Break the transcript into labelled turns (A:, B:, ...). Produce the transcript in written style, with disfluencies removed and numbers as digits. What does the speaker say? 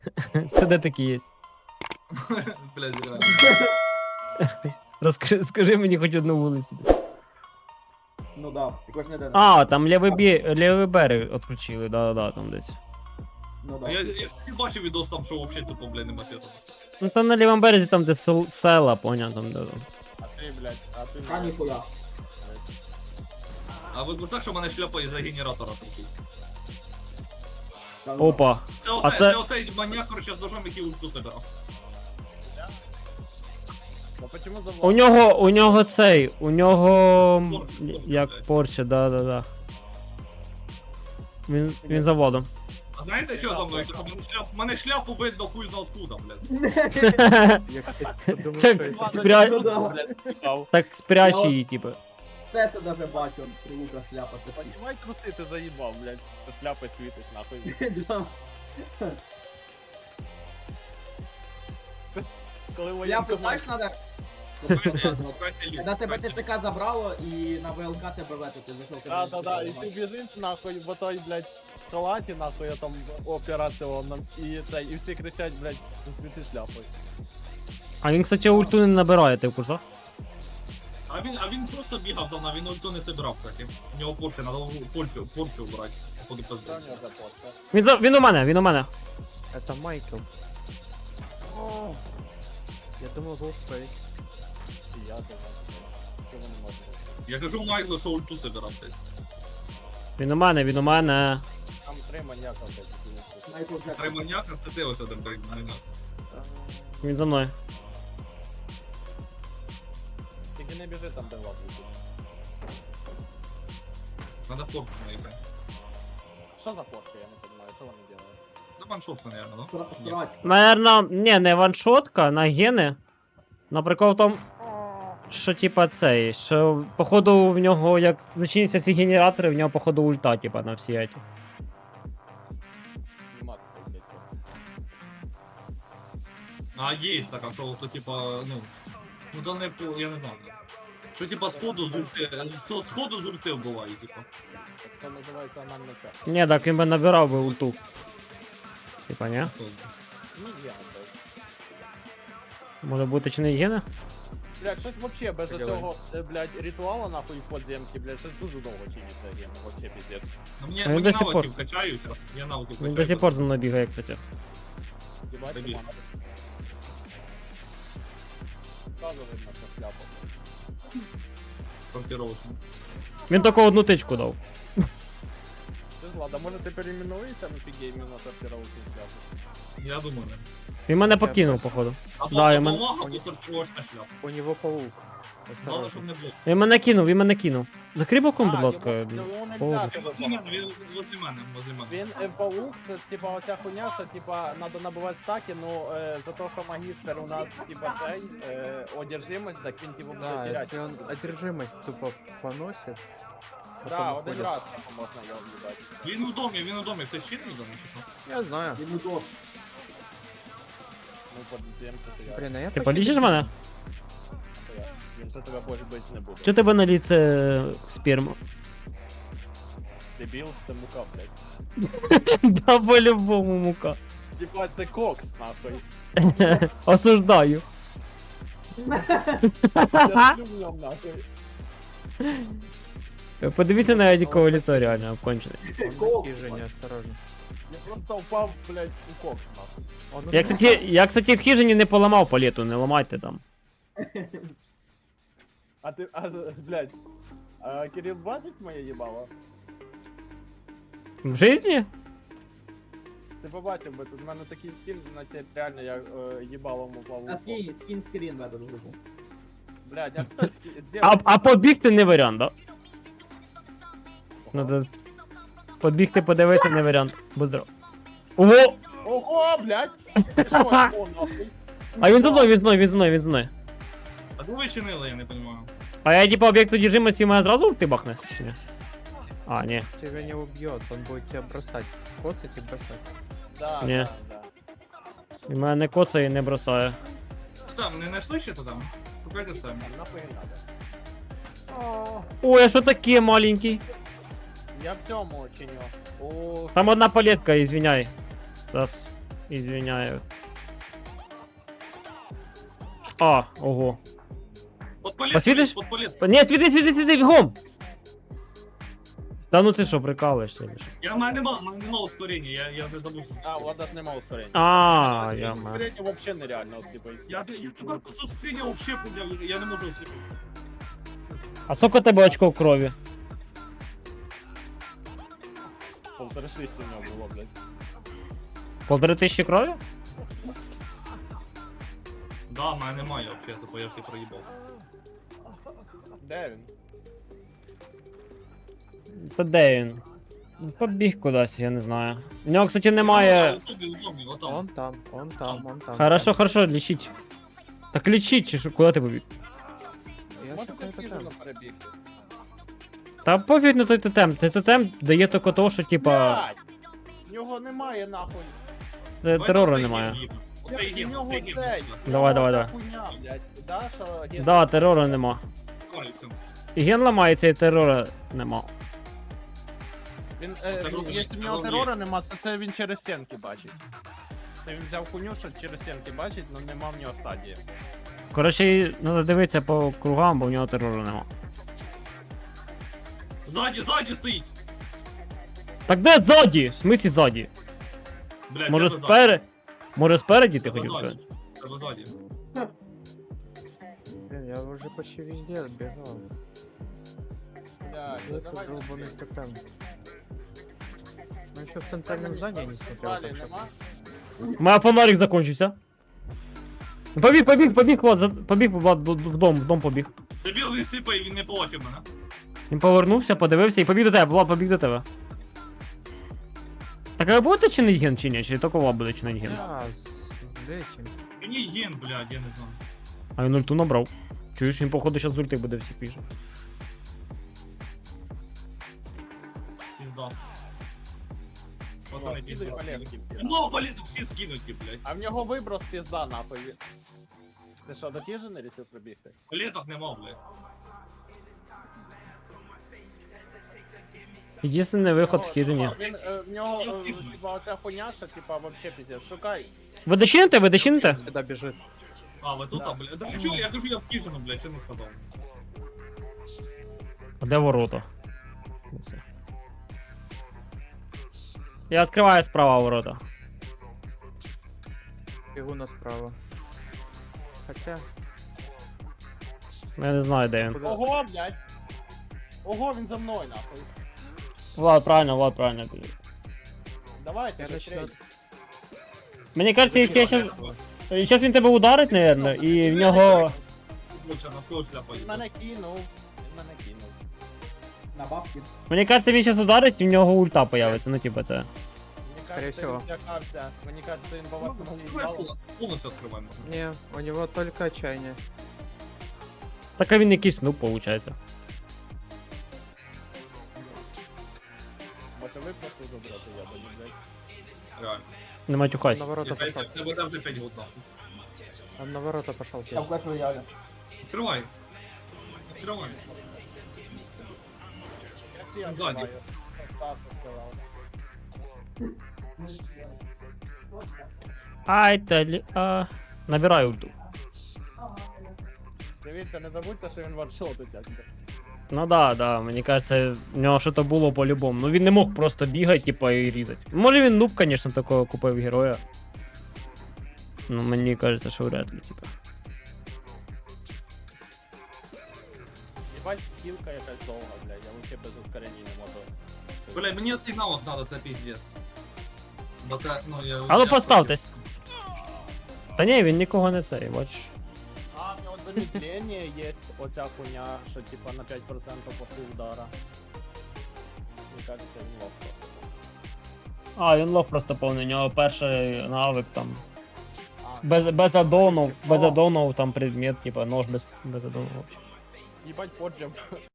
A: Це де такі є?
B: Блядь, реально.
A: Скажи мені хоч одну вулицю.
C: Ну да, також не день.
A: А, там лівий берег відключили, да, там десь.
C: Ну
B: А
C: да.
B: я не бачив відос там, що взагалі тупо, блядь, нема світу.
A: Ну там на лівому березі, там де села, поняв, там де.
D: А ти, блядь, а ти...
C: А ніхуя.
B: А ви так, що в мене шляпа із-за генератора трусить?
C: Та ну.
A: Опа.
B: Це
A: це-
B: оцей маньяк, короче, з ножом, який ульту собирав.
D: Ну почему за
A: У нього цей, у нього
B: Порше,
A: як
B: блядь.
A: Порше, да. Він за водом.
B: А знаєте, що за мною? Тому що мене шляпу видно хуй зна откуда, блядь.
E: Я, кстати, подумал,
A: Так,
E: что
A: спря...
C: Ну да.
D: блядь, їбав.
A: так спрячь її, типу.
C: Це ти даже бачу, лука шляпа. Це
D: Понімай, труси ти заїбав, блядь. Ти шляпи світиш, нахуй.
C: Да.
D: Коли
C: Шляпу,
D: воєнкомат...
C: знаєш, надо... Когда тебе ТЦК забрало і на ВЛК тебе вето, ти зайшов.
D: Да, і ти біжиш, нахуй, в той, блядь, халаті, нахуй, я там операціонном, і всі кричать, блядь, світи шляпою.
A: А він, кстати, ульту не набирає, ти в курсах?
B: А він просто бігав за мною, він ульту не собирав, кстати. У нього Порше, надо Порше брати. Походу
D: Що в
B: пизду.
D: нього за пост?
A: Він у мене.
E: это Майкл. Я думал, Ghostface.
D: І я думаю, що вони можуть.
B: Я кажу Майклу, що ульту собирав, блядь.
A: Він у мене.
D: Там три маньяка, блядь,
C: Майкл Джексон.
B: Три маньяка, це ти ось один, блядь, маньяк.
A: Він за мною.
D: Тільки не біжи там, де лапу.
B: Надо Порше наїхати.
D: Що за фотки, я не розумію, що вони роблять?
B: Це ваншотка, наверное, да? Ні.
C: Срач.
A: Наверно, не ваншотка, на гени. На прикол в тому, що типа цей, що походу в нього, як зачиняться всі генератори, в нього походу ульта, типа, на всі эти.
D: Нема такого, блядь.
B: А є така, що то типа, ну то не по, я не знаю. Що типа сходу з ульти, сходу з ульти вбиває, типа.
D: Це називається анальний тек.
A: Ні, так він би набирав би ульту. Типа, ні?
D: Ну, я, блядь.
A: Може бути чи не гени?
D: Блядь, щось вообще без
E: Давай.
D: цього, блядь, ритуала нахуй в подземки, блядь, щось дуже довго чиниться гема, вообще пиздец.
B: Ну, мені,
A: А він
B: мені
A: до сих пор.
B: навиків качаю зараз, я навиків качаю.
A: Він до сих пор за мною бігає, кстати.
D: Ебать,
B: Дебіл.
D: команда. Сразу видно, що шляпа.
B: Сортировочно.
A: Він тільки одну тичку дав.
D: Ти ж ладно, може ти перейменуєшся на фігеймі на сортировку шляпу?
B: Я думаю, не.
A: Він мене покинув, походу.
B: Або
A: Да, я
B: або
A: мен-
B: мага, або сортировочна шляпа.
E: У него паук.
B: Главное,
E: Осторожно.
B: щоб не було.
A: Він мене кинув. Закрий балкон, будь ласка.
D: Його
A: Поводу.
D: нельзя,
B: Він возле мене, він возле мене, возле мене.
D: Він паук, це типа оця хуйня, що типа надо набивати стаки, ну за то, що магістр у нас типа цей одержимость, так він типа буде
E: Да,
D: теряти.
E: если он одержимость тупо поносит,
D: Да,
E: потом
D: один
E: уходит.
D: раз типа, можна його в'їбати.
B: Він у домі, хтось чинний в домі чи що?
E: Я знаю.
C: Він удос.
D: Ну, подземку ти я.
E: Блин, а я
A: Ти
E: почти
A: полічиш мене?
D: Він за тебе може бути не буде.
A: Чи тебе на ліце сперму?
D: Дебіл, це мука, блядь.
A: Да по-любому мука.
D: Типа це кокс, нахуй.
A: Осуждаю.
D: Я сплю в ньому, нахуй.
A: Подивіться на Едікове лицо, реально обкончене.
E: Он такие же, неосторожно.
D: Я просто впав, блядь, у кокс, нахуй.
E: Он
A: Я, кстати, в хижині не поламав палету, не ламайте там.
D: А ти, блядь, Кирил бачить моє їбало?
A: В житті?
D: Ти побачив би, тут в мене такий скін, наче реально я їбалом упав.
C: А скін скрін в эту групу.
D: Блядь, а хто зробив?
A: А побігти не варіант, да? Надо подбігти, подивити не варіант. Будь здоров. Ого!
D: Ого, блядь! Ти що, о, нахуй?
A: А він за мною, він за мною.
B: А ви чинили, я не розумію.
A: А я типа об'єкт одержимості мене зразу ти бахне? Чи ні? А, ні.
E: тебя не убьет, он будет тебя бросать. Коцать и бросать.
D: Да,
A: Ні.
D: да, да.
A: І мене не коцає і не бросає.
B: Там, не знайшли ще то там? Шукайте там.
D: Там нахуй не надо.
A: Ой, а що таке маленький?
D: Я в цьому чиню. О,
A: Там одна палетка, извиняй. Стас. Извиняю. А, ого. Посвітиш?
B: Подпалит.
A: Ні, світи, бігом! Та ну ти що, прикалуєшся? чи що?
B: Я в мене нема ускорення, я вже забув.
D: А, у Влада ж нема ускорення.
A: А, я маю.
D: Ускорення вообще нереально, от, типу.
B: Я тебе просто сприйняв вообще, я не можу осліпити.
A: А сколько у тебе очков крові?
D: 1500 у нього було, блядь.
A: 1500 крові?
B: Да, в мене немає вообще, типу я всі проїбав.
D: Де він?
A: Та де він? Побіг кудись, я не знаю. У нього, кстати, немає.
B: Отам.
E: Он там, он там, он там.
A: Хорошо, хорошо, лічіть. Так лічіть, чи що, куди ти побіг?
E: Я
D: Може
E: шукаю
D: ти
E: тотем.
D: перебігти?
A: Та пофіг на той тотем. Той тотем дає тільки того, що типа
D: Блядь! В нього немає нахуй.
A: терору немає.
D: У нього цей.
A: Давай, давай, давай.
D: Хуйня, блядь. Да, що ген-
A: Да, терору нема. І ген ламається, і терору нема.
D: Він,
B: Терор є,
D: якщо в нього
B: терор є.
D: терора нема, то це він через стінки бачить. Це він взяв хуйню, що через стінки бачить, але нема в нього стадії.
A: Коротше, треба дивитися по кругам, бо в нього терору нема.
B: Ззаді стоїть!
A: Так де ззаді? В смислі ззаді?
B: Блядь,
A: Може
B: тебе
A: спереді? Може спереді ти
B: Тебе
A: хотів
B: ззаді.
A: сказати?
B: Тебе ззаді.
E: Блин, я уже почти везде отбегал.
D: Блядь,
E: Ну,
D: давай
E: это долбанный
D: быстрее.
E: тотем. Ну еще в центральном здании не смотрел.
D: Далі
E: так что-
D: нема?
A: У мене фонарик закончився. Побіг, Влад, побіг, Влад, в дом побіг.
B: Дебіл він сипає, він не побачив мене.
A: Він повернувся, подивився і побіг до тебе, Влад, побіг до тебе. Так а ви будете чинить ген чи ні? Чи тільки Влад буде чинить ген?
E: Да, лечимся.
B: Мені ген, блядь, я не знаю.
A: А він ульту набрав. Чуєш, він походу зараз з ульти буде всіх піже.
B: Пізда. Пацани,
D: О,
B: пізда.
D: підуть палетки.
B: Ну, палету всі скинуті, блядь.
D: А в нього виброс пізда нахуй. Ти що, дофіжений рішив пробігти?
B: Палеток нема, блядь.
A: Єдиний виход в хижині.
D: Він, в нього, типа, оця хуйня, що, типа, вообще пиздец. Шукай.
A: Ви дочините? Ви дочините?
E: Сюда бежит.
B: А, ви тут,
D: Да.
B: блядь. Да, чого, я кажу, я в хижину, блядь, що не сказав.
A: А де ворота? Я відкриваю справа ворота.
E: Бегу на справа. Хотя...
A: Я не знаю, де він.
E: Куда?
D: Ого, блядь. Ого, він за мною, нахуй.
A: Влад, правильно.
D: Давайте,
E: Я
D: быстрей.
E: начну...
A: Мені кажется, якщо я щас... Зараз він тебе ударить, наверное, і в нього...
B: Лучше на свою шляпу.
D: Він мене кинув. Він мене кинув.
C: На бабки.
A: Мені кажется, він зараз ударить, і в нього ульта появиться, ну типа це.
D: Мені
E: Скорее
D: кажется,
E: всего.
D: він злякався. Мені кажется, він баварку їбав.
B: Повністю відкриваємо.
E: Не, у него только отчаяние.
A: Так а він якийсь нуб, виходить.
D: Може ви просто забрати, я думаю, блядь.
B: Реально.
A: Не матюхайся.
E: На ворота пошел.
B: Тебе там вже 5 год нахуй.
E: Он на ворота пошел.
C: Я в Clash Royale.
B: Відкривай. Відкривай.
D: Я всі
B: Ззаді.
D: відкриваю. Стас відкривав.
A: Ай, набирай ульту.
D: Дивіться, не забудьте, що він ваншотить якби.
A: Ну да, мені кажется, в нього щось було по-любому. Ну він не мог просто бігати, типа, і різати. Може він нуб, конечно, такого купив героя. Ну мені кажется, що вряд ли, типа.
D: Єбать, кілка якась довга, блядь, я вообще без ускорення не можу.
B: Бля, мені цей навик надо, це піздець. Бо це, ну, я...
A: А ну
B: я-
A: поставтесь. Та ні, він нікого не цей, бач.
D: А, в нього замедлення є оця хуйня, що типа на 5% после удара. Мені кажется, він лох просто.
A: А, він лох просто повний, у нього перший навик там.
D: А,
A: Без адонов там предмет, типа нож без адонов вообще.
D: їбать поджим.